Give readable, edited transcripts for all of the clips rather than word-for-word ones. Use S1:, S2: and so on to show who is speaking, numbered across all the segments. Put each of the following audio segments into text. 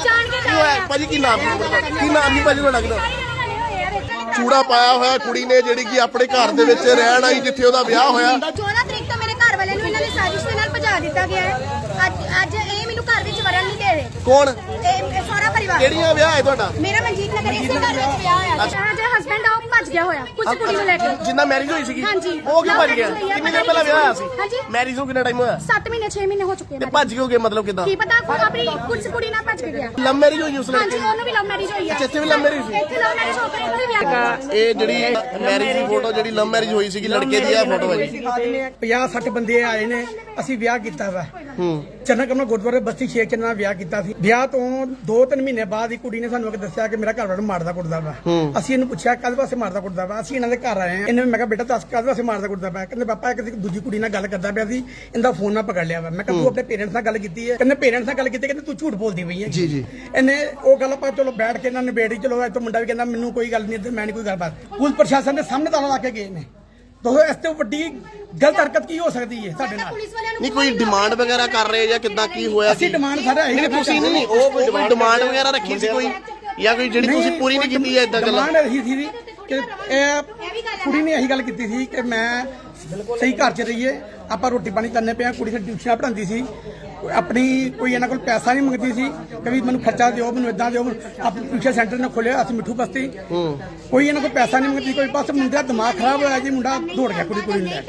S1: ਭਾਜੀ ਕੀ ਨਾਮ ਨਹੀਂ ਭਾਜੀ ਤੁਹਾਡਾ ਕਿਹਦਾ? ਚੂੜਾ ਪਾਇਆ ਹੋਇਆ ਕੁੜੀ ਨੇ ਜਿਹੜੀ ਕਿ ਆਪਣੇ ਘਰ ਦੇ ਵਿੱਚ ਰਹਿਣ ਆਈ ਜਿੱਥੇ ਉਹਦਾ ਵਿਆਹ ਹੋਇਆ।
S2: 14 ਤਰੀਕ ਤੋਂ ਮੇਰੇ ਘਰ ਵਾਲੇ ਨੂੰ ਇਹਨਾਂ ਨੇ ਸਾਜ਼ਿਸ਼ ਦੇ ਨਾਲ ਭਜਾ ਦਿੱਤਾ ਗਿਆ ਹੈ। ਅੱਜ ਇਹ ਮੈਨੂੰ ਘਰ ਵਿੱਚ ਵੜਨ ਨਹੀਂ ਦੇ ਰਹੇ।
S1: ਕੌਣ?
S2: ਇਹ ਸਾਰਾ ਪਰਿਵਾਰ।
S1: ਕਿਹੜੀਆਂ ਵਿਆਹ ਹੈ ਤੁਹਾਡਾ?
S2: ਮੇਰਾ ਮਨਜੀਤ ਨਗਰ ਇਸੇ ਘਰ ਵਿੱਚ ਵਿਆਹ ਹੋਇਆ। ਜਿਹੜਾ ਹਸਬੰਡ ਆ ਉਹ ਭੱਜ ਗਿਆ ਹੋਇਆ ਕੁਝ ਕੁੜੀ ਨੂੰ ਲੈ ਕੇ।
S1: ਜਿੰਨਾ ਮੈਰਿਜ ਹੋਈ ਸੀਗੀ
S2: ਹਾਂਜੀ।
S1: ਉਹ ਕਿਉਂ ਭੱਜ ਗਿਆ? ਕਿੰਨੇ ਦਿਨ ਪਹਿਲਾਂ ਵਿਆਹ ਹੋਇਆ ਸੀ?
S2: ਹਾਂਜੀ।
S1: ਮੈਰਿਜ ਨੂੰ ਕਿੰਨਾ ਟਾਈਮ ਹੋਇਆ?
S2: 7 ਮਹੀਨੇ 6 ਮਹੀਨੇ ਹੋ ਚੁੱਕੇ
S1: ਤੇ ਭੱਜ ਕਿਉਂ ਗਏ ਮਤਲਬ ਕਿਦਾਂ?
S2: ਕੀ ਪਤਾ ਆਪਣੀ ਕੁਝ ਕੁੜੀ ਨਾਲ ਭੱਜ ਕੇ ਗਿਆ।
S1: ਲਵ ਮੈਰਿਜ ਹੋਈ ਉਸ ਲੜਕੇ
S2: ਹਾਂਜੀ ਉਹਨੂੰ ਵੀ ਲਵ ਮੈਰਿਜ ਹੋਈ ਹੈ।
S1: ਇੱਥੇ ਵੀ ਲਵ ਮੈਰਿਜ ਸੀ?
S2: ਇੱਥੇ ਲਵ ਮੈਰਿਜ ਹੋ ਕੇ ਇੱਥੇ ਵਿਆਹ।
S1: ਇਹ ਜਿਹੜੀ ਮੈਰਿਜ ਦੀ ਫੋਟੋ ਜਿਹੜੀ ਲਵ ਮੈਰਿਜ ਹੋਈ ਸੀਗੀ ਲੜਕੇ ਦੀ ਇਹ ਫੋਟੋ ਹੈ ਜੀ।
S3: 50-60 ਬੰਦੇ ਆਏ ਨੇ। ਅਸੀਂ ਵਿਆਹ ਕੀਤਾ ਵਾ ਚੰਨਾ ਕਮਨਾ ਗੁਰਦੁਆਰੇ ਬਸਤੀ ਸ਼ੇਖ ਚ ਨਾਲ ਵਿਆਹ ਕੀਤਾ ਸੀ। ਵਿਆਹ ਤੋਂ 2-3 ਮਹੀਨੇ ਬਾਅਦ ਹੀ ਕੁੜੀ ਨੇ ਸਾਨੂੰ ਦੱਸਿਆ ਕਿ ਮੇਰਾ ਘਰ ਵਾਲਾ ਮਾਰਦਾ ਕੁੱਟਦਾ ਵਾ। ਅਸੀਂ ਇਹਨੂੰ ਪੁੱਛਿਆ ਕਾਹਦੇ ਵਾਸਤੇ ਮਾਰਦਾ ਕੁੱਟਦਾ ਵਾ। ਅਸੀਂ ਇਹਨਾਂ ਦੇ ਘਰ ਆਏ ਆ। ਇਹਨੇ ਮੈਂ ਕਿਹਾ ਬੇਟਾ ਦੱਸ ਕਾਹਦੇ ਵਾਸਤੇ ਮਾਰਦਾ ਕੁੱਟਦਾ ਵਾ। ਕਹਿੰਦੇ ਪਾਪਾ ਇੱਕ ਦੂਜੀ ਕੁੜੀ ਨਾਲ ਗੱਲ ਕਰਦਾ ਪਿਆ ਸੀ ਇਹਦਾ ਫੋਨ ਨਾ ਪਕੜ ਲਿਆ ਵਾ। ਮੈਂ ਕਿਹਾ ਤੂੰ ਆਪਣੇ ਪੇਰੈਂਟਸ ਨਾਲ ਗੱਲ ਕੀਤੀ ਹੈ? ਕਹਿੰਦੇ ਪੇਰੈਂਟਸ ਨਾਲ ਗੱਲ ਕੀਤੀ। ਕਹਿੰਦੇ ਤੂੰ ਝੂਠ ਬੋਲਦੀ ਪਈ ਹੈ।
S1: ਜੀ ਜੀ।
S3: ਇਹਨੇ ਉਹ ਗੱਲ ਆਪਾਂ ਚਲੋ ਬੈਠ ਕੇ ਇਹਨਾਂ ਨੇ ਨਿਬੇੜੀ। ਚਲੋ ਇਹ ਤੋਂ ਮੁੰਡਾ ਵੀ ਕਹਿੰਦਾ ਮੈਨੂੰ ਕੋਈ ਗੱਲ ਨਹੀਂ ਮੈਂ ਨਹੀਂ ਕੋਈ ਗੱਲਬਾਤ। ਪੁਲਿਸ ਪ੍ਰਸ਼ਾਸਨ ਦੇ ਸਾਹਮਣੇ ਤਾਲਾ ਲਾ ਕੇ ਗਏ ਨੇ। ਦੋਸਤੋ ਇਸ ਤੋਂ ਵੱਡੀ ਗਲਤ ਹਰਕਤ ਕੀ ਹੋ ਸਕਦੀ ਹੈ ਸਾਡੇ ਨਾਲ?
S1: ਨਹੀਂ ਕੋਈ ਡਿਮਾਂਡ ਵਗੈਰਾ ਕਰ ਰਹੇ ਜਾਂ ਕਿੱਦਾਂ ਕੀ ਹੋਇਆ?
S3: ਅਸੀਂ ਡਿਮਾਂਡ ਸਾਡਾ ਇਹੀ
S1: ਤੁਸੀਂ ਨਹੀਂ ਉਹ ਕੋਈ ਡਿਮਾਂਡ ਵਗੈਰਾ ਰੱਖੀ ਸੀ ਕੋਈ ਜਾਂ ਕੋਈ ਜਿਹੜੀ ਤੁਸੀਂ ਪੂਰੀ ਨਹੀਂ ਕੀਤੀ ਹੈ ਇਦਾਂ ਗੱਲਾਂ?
S3: ਡਿਮਾਂਡ ਇਹੀ ਸੀ ਕਿ ਇਹ ਕੁੜੀ ਨੇ ਇਹੀ ਗੱਲ ਕੀਤੀ ਸੀ ਕਿ ਮੈਂ ਸਹੀ ਘਰ 'ਚ ਰਹੀਏ ਆਪਾਂ ਰੋਟੀ ਪਾਣੀ ਕਰਨੇ ਪਿਆ। ਕੁੜੀ ਸਾਡੀ ਟਿਊਸ਼ਨ ਪੜ੍ਹਾਉਂਦੀ ਸੀ ਆਪਣੀ ਕੋਈ ਇਹਨਾਂ ਕੋਲ ਪੈਸਾ ਨਹੀਂ ਮੰਗਦੀ ਸੀ ਕभी ਮੈਨੂੰ ਖਰਚਾ ਦਿਓ ਮੈਨੂੰ ਇਦਾਂ ਦਿਓ। ਆਪਣੀ ਟਿਊਸ਼ਨ ਸੈਂਟਰ ਨੇ ਖੋਲਿਆ ਅਸੀਂ ਮਿੱਠੂ ਬਸਤੀ। ਕੋਈ ਇਹਨਾਂ ਕੋਲ ਪੈਸਾ ਨਹੀਂ ਮੰਗਦੀ ਕੋਈ ਬਸ ਮੁੰਡੇ ਦਾ ਦਿਮਾਗ ਖਰਾਬ ਹੋਇਆ ਜੀ ਮੁੰਡਾ ਦੌੜ ਗਿਆ ਕੁੜੀ ਨੂੰ ਲੈ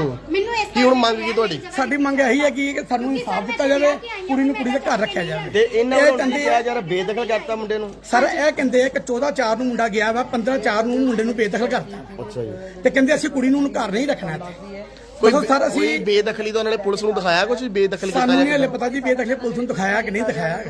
S3: ਕੇ।
S1: ਕੀ ਹੁਣ ਮੰਗ ਕੀ ਤੁਹਾਡੀ?
S3: ਸਾਡੀ ਮੰਗ ਇਹੀ ਹੈ ਕਿ ਸਾਨੂੰ ਇਨਸਾਫ ਦਿੱਤਾ ਜਾਵੇ ਕੁੜੀ ਨੂੰ ਕੁੜੀ ਦੇ ਘਰ ਰੱਖਿਆ ਜਾਵੇ।
S1: ਤੇ ਇਹਨਾਂ ਨੂੰ ਕਿਹਾ ਯਾਰ ਬੇਦਖਲ ਕਰਤਾ ਮੁੰਡੇ ਨੂੰ।
S3: ਸਰ ਇਹ ਕਹਿੰਦੇ ਕਿ 14/4 ਨੂੰ ਮੁੰਡਾ ਗਿਆ ਵਾ 15/4 ਨੂੰ ਮੁੰਡੇ ਨੂੰ ਬੇਦਖਲ ਕਰਤਾ।
S1: ਅੱਛਾ ਜੀ।
S3: ਤੇ ਕਹਿੰਦੇ ਅਸੀਂ ਕੁੜੀ ਨੂੰ ਘਰ ਨਹੀਂ ਰੱਖਣਾ ਇੱਥੇ।
S1: ਕੋਈ ਬੇਦਖਲੀ ਤਾਂ ਉਹਨਾਂ ਨੇ ਪੁਲਿਸ ਨੂੰ ਦਿਖਾਇਆ ਕੁਝ ਬੇਦਖਲ ਕੀਤਾ?
S3: ਸਾਨੂੰ ਨਹੀਂ ਹਲੇ ਪਤਾ ਜੀ ਬੇਦਖਲੀ ਪੁਲਿਸ ਨੂੰ ਦਿਖਾਇਆ ਕਿ ਨਹੀਂ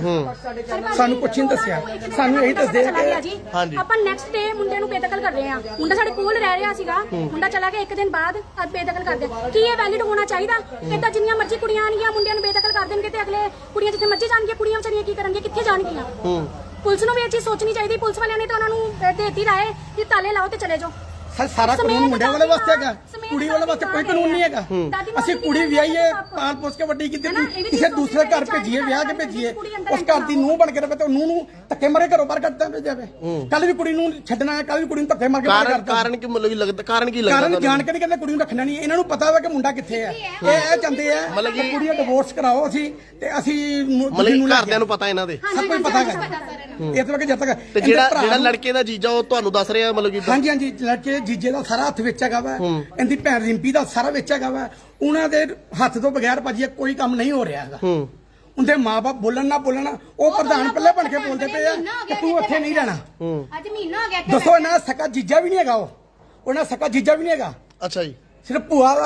S3: ਦਿਖਾਇਆ। ਸਾਨੂੰ ਕੁਛ ਨਹੀਂ ਦੱਸਿਆ। ਸਾਨੂੰ ਇਹੀ ਦੱਸਦੇ ਆ ਕਿ
S2: ਆਪਾਂ ਨੈਕਸਟ ਡੇ ਮੁੰਡੇ ਨੂੰ ਬੇਦਖਲ ਕਰ ਰਹੇ ਆ। ਮੁੰਡਾ ਸਾਡੇ ਕੋਲ ਰਹਿ ਰਿਹਾ ਸੀਗਾ। ਮੁੰਡਾ ਚਲਾ ਗਿਆ 1 ਦਿਨ ਬਾਅਦ ਅੱਜ ਬੇਦਖਲ ਕਰਦੇ। ਕੀ ਇਹ ਵੈਲਿਡ ਹੋਣਾ ਚਾਹੀਦਾ? ਇਦਾਂ ਜਿੰਨੀਆਂ ਮਰਜ਼ੀ ਕੁੜੀਆਂ ਆਣਗੀਆਂ ਮੁੰਡਿਆਂ ਨੂੰ ਬੇਦਖਲ ਕਰ ਦੇਣਗੇ ਤੇ ਅਗਲੇ ਕੁੜੀਆਂ ਜਿੱਥੇ ਮਰਜ਼ੀ ਜਾਣਗੀਆਂ ਕੁੜੀਆਂ ਵਿਚਾਰੀਆਂ ਕੀ ਕਰਨਗੀਆਂ ਕਿੱਥੇ ਜਾਣਗੀਆਂ? ਪੁਲਿਸ ਨੂੰ ਵੀ ਇਹ ਚੀਜ਼ ਸੋਚਣੀ ਚਾਹੀਦੀ। ਪੁਲਿਸ ਵਾਲਿਆਂ ਨੇ ਤਾਂ ਉਹਨਾਂ ਨੂੰ ਦੇਤੀ ਰਾਏ ਕਿ ਤਾਲੇ ਲਾਓ ਤੇ ਚਲੇ ਜਾਓ।
S3: ਸਾਰਾ ਕਾਨੂੰਨ ਮੁੰਡਿਆਂ ਵਾਲੇ ਵਾਸਤੇ ਹੈਗਾ ਕੁੜੀ ਵਾਲੇ ਵਾਸਤੇ ਕੋਈ ਕਾਨੂੰਨ ਨਹੀਂ ਹੈਗਾ। ਅਸੀਂ ਕੁੜੀ ਵਿਆਹੀਏ ਪਾਲ ਪੋਸ ਕੇ ਵੱਡੀ ਕੀਤੀ ਕਿਸੇ ਦੂਸਰੇ ਘਰ ਭੇਜੀਏ ਵਿਆਹ ਕੇ ਭੇਜੀਏ ਉਸ ਘਰ ਦੀ ਨੂੰਹ ਬਣ ਕੇ ਰਵੇ ਤੇ ਨੂੰਹ ਨੂੰ ਧੱਕੇ ਮਾਰੇ ਘਰੋਂ ਬਾਹਰ ਕੱਢਦਾ ਭੇਜਾਵੇ। ਕੱਲ ਵੀ ਕੁੜੀ ਨੂੰ ਛੱਡਣਾ ਹੈ ਕੱਲ ਵੀ ਕੁੜੀ ਨੂੰ ਧੱਕੇ ਮਾਰ ਕੇ ਬਾਹਰ ਕੱਢਦਾ।
S1: ਕਾਰਨ ਕੀ ਮਤਲਬ ਲੱਗਦਾ? ਕਾਰਨ ਕੀ ਲੱਗਦਾ?
S3: ਕਾਰਨ ਜਾਣ ਕੇ ਨਹੀਂ ਕਹਿੰਦੇ ਕੁੜੀ ਨੂੰ ਰੱਖਣਾ ਨਹੀਂ। ਇਹਨਾਂ ਨੂੰ ਪਤਾ ਵਾ ਕਿ ਮੁੰਡਾ ਕਿੱਥੇ ਹੈ। ਇਹ ਚਾਹੁੰਦੇ ਆ ਮਤਲਬ ਕਿ ਕੁੜੀ ਦਾ ਡਿਵੋਰਸ ਕਰਾਓ ਅਸੀਂ ਤੇ ਅਸੀਂ
S1: ਮਤਲਬ ਘਰਦਿਆਂ ਨੂੰ ਪਤਾ ਇਹਨਾਂ ਦੇ
S3: ਸਭ ਕੁਝ ਪਤਾ ਹੈ। ਇਸ ਵਕਤ ਜਦ ਤੱਕ
S1: ਤੇ ਜਿਹੜਾ ਲੜਕੇ ਦਾ ਜੀਜਾ ਉਹ ਤੁਹਾਨੂੰ ਦੱਸ ਰਿਹਾ ਮਤਲਬ ਕਿ
S3: ਹਾਂਜੀ ਹਾਂਜੀ ਲੜਕੇ ਜੀਜੇ ਦਾ ਸਾਰਾ ਹੱਥ ਵਿੱਚ ਹੈਗਾ ਵਾ। ਇਹਦੀ ਭੈਣ ਰਿੰਪੀ ਦਾ ਸਾਰਾ ਵਿੱਚ ਹੈਗਾ ਵਾ। ਉਹਨਾਂ ਦੇ ਹੱਥ ਤੋਂ ਬਗੈਰ ਭਾਜੀ ਕੋਈ ਕੰਮ ਨਹੀਂ ਹੋ ਰਿਹਾ ਹੈਗਾ। ਉਹਦੇ ਮਾਪੇ ਬੋਲਣ ਨਾ ਬੋਲਣ ਉਹ ਪ੍ਰਧਾਨ ਪੱਲੇ ਬਣ ਕੇ ਬੋਲਦੇ ਪਏ ਆ ਕਿ ਤੂੰ ਇੱਥੇ ਨਹੀਂ ਰਹਿਣਾ।
S2: ਅੱਜ ਮਹੀਨਾ ਹੋ ਗਿਆ।
S3: ਦੱਸੋ ਇਹਨਾਂ ਦਾ ਸਕਾ ਜੀਜਾ ਵੀ ਨਹੀਂ ਹੈਗਾ। ਉਹਨਾਂ ਸਕਾ ਜੀਜਾ ਵੀ ਨਹੀਂ ਹੈਗਾ।
S1: ਅੱਛਾ ਜੀ।
S3: ਸਿਰਫ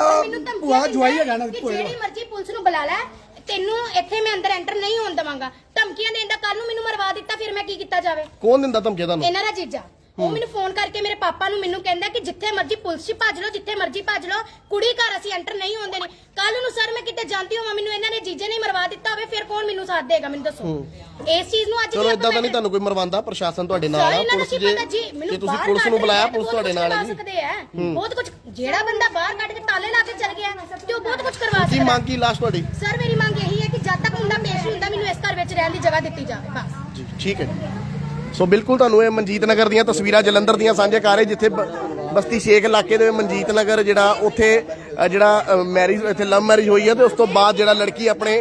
S3: ਭੂਆ ਜਵਾਈ ਹੈਗਾ ਨਾ।
S2: ਜਿਹੜੀ ਮਰਜ਼ੀ ਪੁਲਿਸ ਨੂੰ ਬੁਲਾ ਲੈ ਤੈਨੂੰ ਇੱਥੇ ਮੈਂ ਅੰਦਰ ਐਂਟਰ ਨਹੀਂ ਹੋਣ ਦਵਾਂਗਾ। ਧਮਕੀਆਂ ਦੇਣ ਦਾ ਕੱਲ ਨੂੰ ਮੈਨੂੰ ਮਰਵਾ ਦਿੱਤਾ ਫਿਰ ਮੈਂ ਕੀ ਕੀਤਾ ਜਾਵੇ?
S1: ਕੌਣ ਦਿੰਦਾ ਧਮਕੀਆਂ ਤੁਹਾਨੂੰ?
S2: ਇਹਨਾਂ ਦਾ ਜੀਜਾ। ਉਹ ਮੈਨੂੰ ਫੋਨ ਕਰਕੇ ਮੇਰੇ ਪਾਪਾ ਨੂੰ ਮੈਨੂੰ ਕਹਿੰਦਾ ਕਿ ਜਿੱਥੇ ਮਰਜ਼ੀ ਪੁਲਿਸ 'ਚ ਭੱਜ ਲਓ ਜਿੱਥੇ ਮਰਜ਼ੀ ਭੱਜ ਲਓ ਕੁੜੀ ਘਰ ਅਸੀਂ ਐਂਟਰ ਨਹੀਂ ਹੋਣ ਦੇਣੀ। ਕੱਲ ਨੂੰ ਸਰ ਮੈਂ ਕਿਤੇ ਜਾਂਦੀ ਹੋਵਾਂ ਮੈਨੂੰ ਇਹਨਾਂ ਨੇ ਜੀਜੇ ਨੇ ਮਰਵਾ ਦਿੱਤਾ ਹੋਵੇ ਫਿਰ ਕੌਣ ਮੈਨੂੰ ਸਾਥ ਦੇਗਾ? ਮੈਨੂੰ ਦੱਸੋ। ਇਸ ਚੀਜ਼ ਨੂੰ ਅੱਜ
S1: ਚਲੋ ਇਦਾਂ ਤਾਂ ਨਹੀਂ ਤੁਹਾਨੂੰ ਕੋਈ ਮਰਵਾਉਂਦਾ ਪ੍ਰਸ਼ਾਸਨ ਤੁਹਾਡੇ ਨਾਲ ਆ। ਪੁਲਿਸ ਜੇ ਤੁਸੀਂ ਪੁਲਿਸ ਨੂੰ ਬੁਲਾਇਆ ਪੁਲਿਸ ਤੁਹਾਡੇ ਨਾਲ ਹੈ ਜੀ।
S2: ਬਹੁਤ ਕੁਝ ਜਿਹੜਾ ਬੰਦਾ ਬਾਹਰ ਕੱਢ ਕੇ ਤਾਲੇ ਲਾ ਕੇ ਚਲ ਗਿਆ ਤੇ ਉਹ ਬਹੁਤ ਕੁਝ ਕਰਵਾ ਸਕਦਾ।
S1: ਕੀ ਮੰਗ ਕੀ ਲਾਸਟ ਤੁਹਾਡੀ?
S2: ਸਰ ਮੇਰੀ ਮੰਗ ਇਹੀ ਹੈ ਕਿ ਜਦ ਤੱਕ ਮੁੰਡਾ ਪੇਸ਼ ਹੁੰਦਾ ਮੈਨੂੰ ਇਸ ਘਰ ਵਿੱਚ ਰਹਿਣ ਦੀ ਜਗ੍ਹਾ ਦਿੱਤੀ ਜਾਵੇ ਬਸ
S1: ਜੀ। ਠੀਕ ਹੈ। ਸੋ ਬਿਲਕੁਲ ਤੁਹਾਨੂੰ ਇਹ ਮਨਜੀਤ ਨਗਰ ਦੀਆਂ ਤਸਵੀਰਾਂ ਜਲੰਧਰ ਦੀਆਂ ਸਾਂਝੇ ਕਰ ਰਹੇ ਜਿੱਥੇ ਬਸਤੀ ਸ਼ੇਖ ਇਲਾਕੇ ਦੇ ਮਨਜੀਤ ਨਗਰ ਜਿਹੜਾ ਉੱਥੇ ਜਿਹੜਾ ਮੈਰਿਜ ਇੱਥੇ ਲਵ ਮੈਰਿਜ ਹੋਈ ਹੈ ਤੇ ਉਸ ਤੋਂ ਬਾਅਦ ਜਿਹੜਾ ਲੜਕੀ ਆਪਣੇ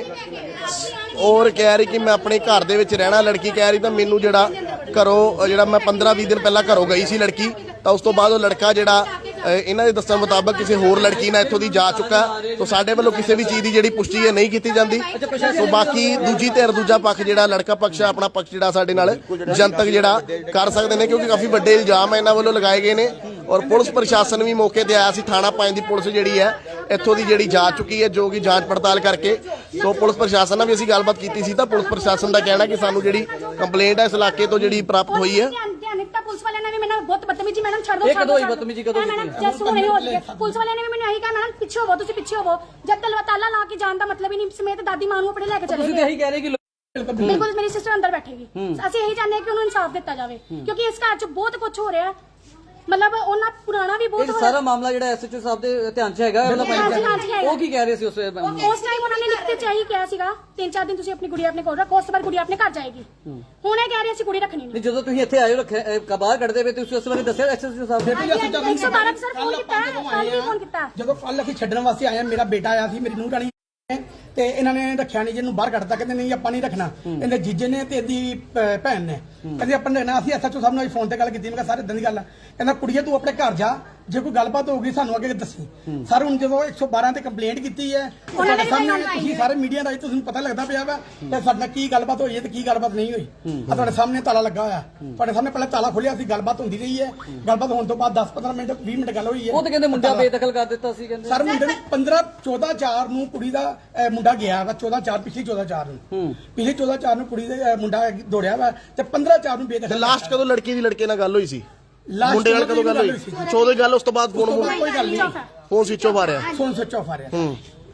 S1: ਔਰ ਕਹਿ ਰਹੀ ਕਿ ਮੈਂ ਆਪਣੇ ਘਰ ਦੇ ਵਿੱਚ ਰਹਿਣਾ। ਲੜਕੀ ਕਹਿ ਰਹੀ ਤਾਂ ਮੈਨੂੰ ਜਿਹੜਾ ਘਰੋਂ ਜਿਹੜਾ ਮੈਂ 15-20 ਦਿਨ ਪਹਿਲਾਂ ਘਰੋਂ ਗਈ ਸੀ ਲੜਕੀ ਤਾਂ ਉਸ ਤੋਂ ਬਾਅਦ ਉਹ ਲੜਕਾ ਜਿਹੜਾ ਇਹਨਾਂ ਦੇ ਦੱਸਣ ਮੁਤਾਬਕ ਕਿਸੇ ਹੋਰ ਲੜਕੀ ਨਾਲ ਇੱਥੋਂ ਦੀ ਜਾ ਚੁੱਕਾ। ਸੋ ਸਾਡੇ ਵੱਲੋਂ ਕਿਸੇ ਵੀ ਚੀਜ਼ ਦੀ ਜਿਹੜੀ ਪੁਸ਼ਟੀ ਹੈ ਨਹੀਂ ਕੀਤੀ ਜਾਂਦੀ। ਸੋ ਬਾਕੀ ਦੂਜੀ ਧਿਰ ਦੂਜਾ ਪੱਖ ਜਿਹੜਾ ਲੜਕਾ ਪੱਖ ਆਪਣਾ ਪੱਖ ਜਿਹੜਾ ਸਾਡੇ ਨਾਲ ਜਨਤਕ ਜਿਹੜਾ ਕਰ ਸਕਦੇ ਨੇ ਕਿਉਂਕਿ ਕਾਫੀ ਵੱਡੇ ਇਲਜ਼ਾਮ ਇਹਨਾਂ ਵੱਲੋਂ ਲਗਾਏ ਗਏ ਨੇ ਔਰ ਪੁਲਿਸ ਪ੍ਰਸ਼ਾਸਨ ਵੀ ਮੌਕੇ ਤੇ ਆਇਆ ਸੀ। ਥਾਣਾ 5 ਦੀ ਪੁਲਿਸ ਜਿਹੜੀ ਹੈ ਇੱਥੋਂ ਦੀ ਜਿਹੜੀ ਜਾ ਚੁੱਕੀ ਹੈ ਜੋ ਕਿ ਜਾਂਚ ਪੜਤਾਲ ਕਰਕੇ। ਸੋ ਪੁਲਿਸ ਪ੍ਰਸ਼ਾਸਨ ਨਾਲ ਵੀ ਅਸੀਂ ਗੱਲਬਾਤ ਕੀਤੀ ਸੀ ਤਾਂ ਪੁਲਿਸ ਪ੍ਰਸ਼ਾਸਨ ਦਾ ਕਹਿਣਾ ਕਿ ਸਾਨੂੰ ਜਿਹੜੀ ਕੰਪਲੇਂਟ ਹੈ ਇਸ ਇਲਾਕੇ ਤੋਂ ਜਿਹੜੀ ਪ੍ਰਾਪਤ ਹੋਈ ਹੈ।
S2: ਪੁਲਿਸ ਵਾਲਿਆਂ ਨੇ ਵੀ ਮੈਨੂੰ ਬਹੁਤ ਬਦਤਮੀਜੀ ਮੈਡਮ ਛੱਡ ਦੋ ਕਦੋਂ ਬਦਤਮੀਜੀ ਕਦੋਂ ਜੈਸੂ ਨਹੀਂ ਹੋਈ। ਪੁਲਿਸ ਵਾਲਿਆਂ ਨੇ ਵੀ ਮੈਨੂੰ ਇਹੀ ਕਿਹਾ ਮੈਡਮ ਪਿੱਛੇ ਹੋਵੋ ਤੁਸੀਂ ਪਿੱਛੇ ਹੋਵੋ। ਜਦ ਤਾਲਾ ਲਾ ਕੇ ਜਾਣ ਦਾ ਮਤਲਬ ਹੀ ਨਹੀਂ ਸਮੇਤ ਦਾਦੀ ਮਾਂ ਨੂੰ ਆਪਣੇ ਲੈ ਕੇ ਚਲੇ ਗਏ। ਇਹੀ ਕਹਿ ਰਹੇ ਕਿ ਬਿਲਕੁਲ ਮੇਰੀ ਸਿਸਟਰ ਅੰਦਰ ਬੈਠੇਗੀ। ਅਸੀਂ ਇਹੀ ਚਾਹੁੰਦੇ ਹਾਂ ਕਿ ਉਹਨੂੰ ਇਨਸਾਫ ਦਿੱਤਾ ਜਾਵੇ ਕਿਉਂਕਿ ਇਸ ਘਰ 'ਚ ਬਹੁਤ ਕੁਝ ਹੋ ਰਿਹਾ। ਮਤਲਬ ਉਹਨਾਂ ਪੁਰਾਣਾ ਵੀ ਬਹੁਤ
S4: ਇਹ ਸਾਰਾ ਮਾਮਲਾ ਜਿਹੜਾ ਐਸਐਚਓ ਸਾਹਿਬ ਦੇ ਧਿਆਨ 'ਚ ਹੈਗਾ
S2: ਹਾਂਜੀ, ਹਾਂਜੀ, ਹੈਗਾ।
S4: ਉਹ ਕੀ ਕਹਿ ਰਹੇ ਸੀ ਉਸ ਵੇਲੇ?
S2: ਉਸ ਟਾਈਮ ਉਹਨਾਂ ਨੇ ਲਿਖਤੇ ਚਾਹੀ ਕਿਹਾ ਸੀਗਾ 3-4 ਦਿਨ ਤੁਸੀਂ ਆਪਣੀ ਕੁੜੀ ਆਪਣੇ ਕੋਲ ਰੱਖੋ, ਉਸ ਤੋਂ ਬਾਅਦ ਕੁੜੀ ਆਪਣੇ ਘਰ ਜਾਏਗੀ। ਹੁਣ ਇਹ ਕਹਿ ਰਹੇ ਅਸੀਂ ਕੁੜੀ ਰੱਖਣੀ ਨਹੀਂ।
S4: ਨਹੀਂ, ਜਦੋਂ ਤੁਸੀਂ ਇੱਥੇ ਆਏ ਹੋ ਰੱਖਿਆ ਬਾਹਰ ਕੱਢਦੇ ਪਏ ਤੁਸੀਂ ਉਸ ਬਾਰੇ ਦੱਸਿਆ ਐਸਐਚਓ ਸਾਹਿਬ ਨੇ?
S2: 112 ਸਰ ਫੋਨ ਕੀਤਾ, ਕੱਲ ਵੀ ਫੋਨ ਕੀਤਾ।
S3: ਜਦੋਂ ਕੱਲ ਅਸੀਂ ਛੱਡਣ ਵਾਸਤੇ ਆਏ ਆ, ਮੇਰਾ ਬੇਟਾ ਆਇਆ ਸੀ, ਮੇਰੀ ਨੂੰਹ ਰਾਣੀ ਤੇ ਇਹਨਾਂ ਨੇ ਰੱਖਿਆ ਨਹੀਂ, ਜਿਹਨੂੰ ਬਾਹਰ ਕੱਢਤਾ, ਕਹਿੰਦੇ ਨਹੀਂ ਆਪਾਂ ਨਹੀਂ ਰੱਖਣਾ। ਇਹਦੇ ਜੀਜੇ ਨੇ ਤੇ ਇਹਦੀ ਭੈਣ ਨੇ ਕਹਿੰਦੇ ਆਪਾਂ ਨੇ ਰੱਖਣਾ। ਅਸੀਂ ਐਸਐਚਓ ਸਾਹਿਬ ਨਾਲ ਫੋਨ ਤੇ ਗੱਲ ਕੀਤੀ, ਮੈਂ ਕਿਹਾ ਸਾਰੇ ਇਦਾਂ ਦੀ ਗੱਲ ਆ। ਕਹਿੰਦਾ ਕੁੜੀਏ ਤੂੰ ਆਪਣੇ ਘਰ ਜਾ, ਜੇ ਕੋਈ ਗੱਲਬਾਤ ਹੋਊਗੀ ਸਾਨੂੰ ਅੱਗੇ ਦੱਸੀ। ਸਰ ਹੁਣ ਜਦੋਂ 112 ਤੇ ਕੰਪਲੇਂਟ ਕੀਤੀ ਹੈ, ਤੁਹਾਡੇ ਸਾਹਮਣੇ ਤੁਸੀਂ ਸਾਰੇ ਮੀਡੀਆ ਰਾਹੀਂ ਤੁਹਾਨੂੰ ਪਤਾ ਲੱਗਦਾ ਪਿਆ ਵਾ ਕਿ ਸਾਡੇ ਨਾਲ ਕੀ ਗੱਲਬਾਤ ਹੋਈ ਹੈ ਤੇ ਕੀ ਗੱਲਬਾਤ ਨਹੀਂ ਹੋਈ। ਆ ਤੁਹਾਡੇ ਸਾਹਮਣੇ ਤਾਲਾ ਲੱਗਾ ਹੋਇਆ, ਤੁਹਾਡੇ ਸਾਹਮਣੇ ਪਹਿਲਾਂ ਤਾਲਾ ਖੋਲਿਆ ਸੀ, ਗੱਲਬਾਤ ਹੁੰਦੀ ਰਹੀ ਹੈ। ਗੱਲਬਾਤ ਹੋਣ ਤੋਂ ਬਾਅਦ 10-15 ਮਿੰਟ 20 ਮਿੰਟ ਗੱਲ ਹੋਈ ਹੈ।
S4: ਉਹ ਤਾਂ ਕਹਿੰਦੇ ਮੁੰਡਾ ਬੇਦਖਲ ਕਰ ਦਿੱਤਾ ਸੀ ਕਹਿੰਦੇ।
S3: ਸਰ ਮੁੰਡੇ ਨੂੰ 14/4 ਨੂੰ ਕੁੜੀ ਦਾ ਮੁੰਡਾ ਗਿਆ ਵਾ, 14/4 ਪਿਛਲੀ 14/4 ਨੂੰ, ਪਿਛਲੀ 14/4 ਨੂੰ ਕੁੜੀ ਦੇ ਮੁੰਡਾ ਦੌੜਿਆ ਵਾ ਤੇ 15/4 ਨੂੰ ਬੇਦਖਲ।
S1: ਲਾਸਟ ਕਦੋਂ ਲੜਕੀ ਦੀ ਲੜਕੇ ਨਾਲ ਗੱਲ ਹੋਈ ਸੀ?
S3: Last
S1: ਮੁੰਡੇ ਨਾਲ ਕਦੋਂ ਗੱਲ ਹੋਈ? 14 ਗੱਲ, ਉਸ ਤੋਂ ਬਾਅਦ
S3: ਕੋਈ ਗੱਲ ਨਹੀਂ,
S1: ਫੋਨ ਸਵਿਚ ਆਫ ਆ ਰਿਹਾ।
S3: ਫੋਨ ਸਵਿਚ ਆਫ ਆ ਰਿਹਾ।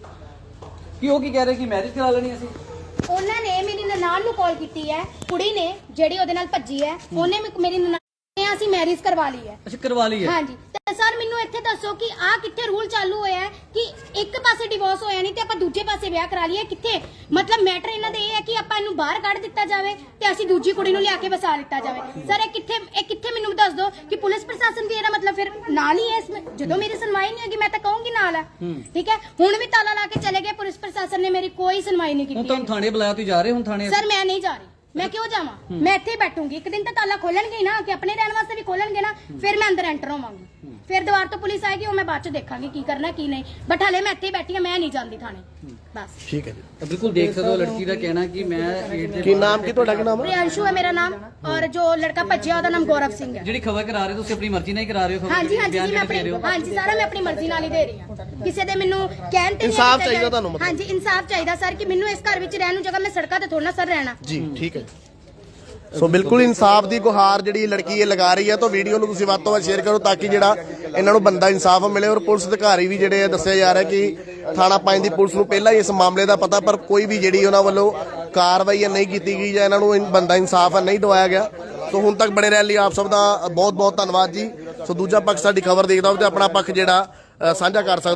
S4: ਕੀ ਉਹ ਕੀ ਕਹਿ ਰਹੇ ਕਿ ਮੈਰਿਜ ਕਰਾ ਲੈਣੀ ਅਸੀਂ?
S5: ਉਹਨਾਂ ਨੇ ਮੇਰੀ ਨਨਾਣ ਨੂੰ ਕਾਲ ਕੀਤੀ ਹੈ, ਕੁੜੀ ਨੇ ਜਿਹੜੀ ਉਹਦੇ ਨਾਲ ਭੱਜੀ ਹੈ, ਉਹਨੇ ਮੇਰੀ ਨਨਾਣ ਨੇ ਅਸੀਂ ਮੈਰਿਜ ਕਰਵਾ ਲਈ ਹੈ।
S4: ਅੱਛਾ, ਕਰਵਾ ਲਈ ਹੈ।
S5: ਹਾਂਜੀ, ਤੇ ਸਰ ਮੈਨੂੰ ਇੱਥੇ ਦੱਸੋ ਕਿ ਆ ਕਿੱਥੇ ਰੂਲ ਚਾਲੂ ਹੋਇਆ ਹੈ ਕਿ ਇੱਕ ਪਾਸੇ ਡਿਵੋਰਸ ਹੋਇਆ ਨਹੀਂ ਤੇ ਆਪਾਂ ਦੂਜੇ ਪਾਸੇ ਵਿਆਹ ਕਰਾ ਲਈਏ? ਕਿੱਥੇ ਮਤਲਬ ਮੈਟਰ ਇਹਨਾਂ ਦੇ ਇਹ ਹੈ ਕਿ ਆਪਾਂ ਇਹਨੂੰ ਬਾਹਰ ਕੱਢ ਦਿੱਤਾ ਜਾਵੇ ਤੇ ਅਸੀਂ ਦੂਜੀ ਕੁੜੀ ਨੂੰ ਲਿਆ ਕੇ ਵਸਾ ਲਿੱਤਾ ਜਾਵੇ। ਸਰ ਇਹ ਕਿੱਥੇ ਮੈਨੂੰ ਦੱਸ ਦਿਓ ਕਿ ਪੁਲਿਸ ਪ੍ਰਸ਼ਾਸਨ ਵੀ ਇਹਦਾ ਮਤਲਬ ਫਿਰ ਨਾਲ ਹੀ ਹੈ ਇਸ ਵਿੱਚ? ਜਦੋਂ ਮੇਰੀ ਸੁਣਵਾਈ ਨਹੀਂ ਹੋਗੀ ਮੈਂ ਤਾਂ ਕਹੂੰਗੀ ਨਾਲ ਹੈ, ਠੀਕ ਹੈ। ਹੁਣ ਵੀ ਤਾਲਾ ਲਾ ਕੇ ਚਲੇ ਗਏ, ਪੁਲਿਸ ਪ੍ਰਸ਼ਾਸਨ ਨੇ ਮੇਰੀ ਕੋਈ ਸੁਣਵਾਈ ਨਹੀਂ
S4: ਹੁਣ
S5: ਕੀਤੀ।
S4: ਤੁਹਾਨੂੰ ਥਾਣੇ ਬੁਲਾਇਆ, ਤੁਸੀਂ ਜਾ ਰਹੇ ਹੁਣ ਥਾਣੇ?
S5: ਸਰ ਮੈਂ ਨਹੀਂ ਜਾ ਰਹੀ, ਮੈਂ ਕਿਉਂ ਜਾਵਾਂ? ਮੈਂ ਇੱਥੇ ਹੀ ਬੈਠੂੰਗੀ। ਇੱਕ ਦਿਨ ਤਾਂ ਤਾਲਾ ਖੋਲਣਗੇ ਹੀ ਨਾ, ਕਿ ਆਪਣੇ ਰਹਿਣ ਵਾਸਤੇ ਵੀ ਖੋਲਣਗੇ ਨਾ, ਫਿਰ ਮੈਂ ਅੰਦਰ ਐਂਟਰ ਹੋਵਾਂਗੀ। ਫਿਰ ਦੁਬਾਰ ਤੋਂ ਪੁਲਿਸ ਆਏਗੀ, ਉਹ ਮੈਂ ਬਾਅਦ ਚ ਦੇਖਾਂਗੀ ਕੀ ਕਰਨਾ ਕੀ ਨਹੀਂ। ਬਟ ਹਲੇ ਮੈਂ ਇੱਥੇ ਹੀ ਬੈਠੀ ਹਾਂ, ਮੈਂ ਨਹੀਂ ਜਾਂਦੀ ਥਾਣੇ ਬਸ।
S1: ਠੀਕ ਹੈ ਜੀ।
S4: ਤਾਂ ਬਿਲਕੁਲ ਦੇਖ ਸਕਦੇ ਹੋ ਲੜਕੀ ਦਾ ਕਹਿਣਾ ਕਿ ਮੈਂ
S1: ਕੀ ਨਾਮ ਕੀ ਤੁਹਾਡਾ? ਕੀ ਨਾਮ ਹੈ?
S5: ਪ੍ਰਿयांशु है मेरा नाम और जो लड़का भज्जिया ਉਹਦਾ ਨਾਮ ਗੌਰਵ ਸਿੰਘ ਹੈ।
S4: ਜਿਹੜੀ ਖਬਰ ਕਰਾ ਰਹੇ ਤੁਸੀਂ ਆਪਣੀ ਮਰਜ਼ੀ ਨਾਲ ਹੀ ਕਰਾ ਰਹੇ ਹੋ?
S5: ਹਾਂਜੀ ਹਾਂਜੀ ਜੀ, ਮੈਂ ਆਪਣੀ ਹਾਂਜੀ ਸਾਰਾ ਮੈਂ ਆਪਣੀ ਮਰਜ਼ੀ ਨਾਲ ਹੀ ਦੇ ਰਹੀ ਹਾਂ। ਕਿਸੇ ਦੇ ਮੈਨੂੰ ਕਹਿਣ ਤੇ
S1: ਇਨਸਾਫ ਚਾਹੀਦਾ ਤੁਹਾਨੂੰ ਮਤਲਬ?
S5: ਹਾਂਜੀ ਇਨਸਾਫ ਚਾਹੀਦਾ ਸਰ, ਕਿ ਮੈਨੂੰ ਇਸ ਘਰ ਵਿੱਚ ਰਹਿਣ ਨੂੰ ਜਗ੍ਹਾ, ਮੈਂ ਸੜਕਾਂ ਤੇ ਥੋੜਾ ਸਰ ਰਹਿਣਾ।
S1: ਜੀ ਠੀਕ ਹੈ। ਸੋ ਬਿਲਕੁਲ ਇਨਸਾਫ ਦੀ ਗੁਹਾਰ ਜਿਹੜੀ ਲੜਕੀ ਇਹ ਲਗਾ ਰਹੀ ਹੈ, ਤਾਂ ਵੀਡੀਓ ਨੂੰ ਤੁਸੀਂ ਵੱਧ ਤੋਂ ਵੱਧ ਸ਼ੇਅਰ ਕਰੋ ਤਾਂ ਕਿ ਜਿਹੜਾ ਇਹਨਾਂ ਨੂੰ ਬੰਦਾ ਇਨਸਾਫ ਮਿਲੇ। ਔਰ ਪੁਲਿਸ ਅਧਿਕਾਰੀ ਵੀ ਜਿਹੜੇ ਦੱਸਿਆ ਜਾ ਰਿਹਾ ਕਿ ਥਾਣਾ 5 ਦੀ ਪੁਲਿਸ ਨੂੰ ਪਹਿਲਾਂ ਹੀ ਇਸ ਮਾਮਲੇ ਦਾ ਪਤਾ, ਪਰ ਕੋਈ ਵੀ ਜਿਹੜੀ ਉਹਨਾਂ ਵੱਲੋਂ ਕਾਰਵਾਈ ਨਹੀਂ ਕੀਤੀ ਗਈ ਜਾਂ ਇਹਨਾਂ ਨੂੰ ਬੰਦਾ ਇਨਸਾਫ ਨਹੀਂ ਦਵਾਇਆ ਗਿਆ। ਸੋ ਹੁਣ ਤੱਕ ਬਣੇ ਰਹਿਣ ਲਈ ਆਪ ਸਭ ਦਾ ਬਹੁਤ ਬਹੁਤ ਧੰਨਵਾਦ ਜੀ। ਸੋ ਦੂਜਾ ਪੱਖ ਸਾਡੀ ਖਬਰ ਦੇਖਦਾ ਹੋਵੇ ਤੇ ਆਪਣਾ ਪੱਖ ਜਿਹੜਾ ਸਾਂਝਾ ਕਰ ਸਕਦਾ।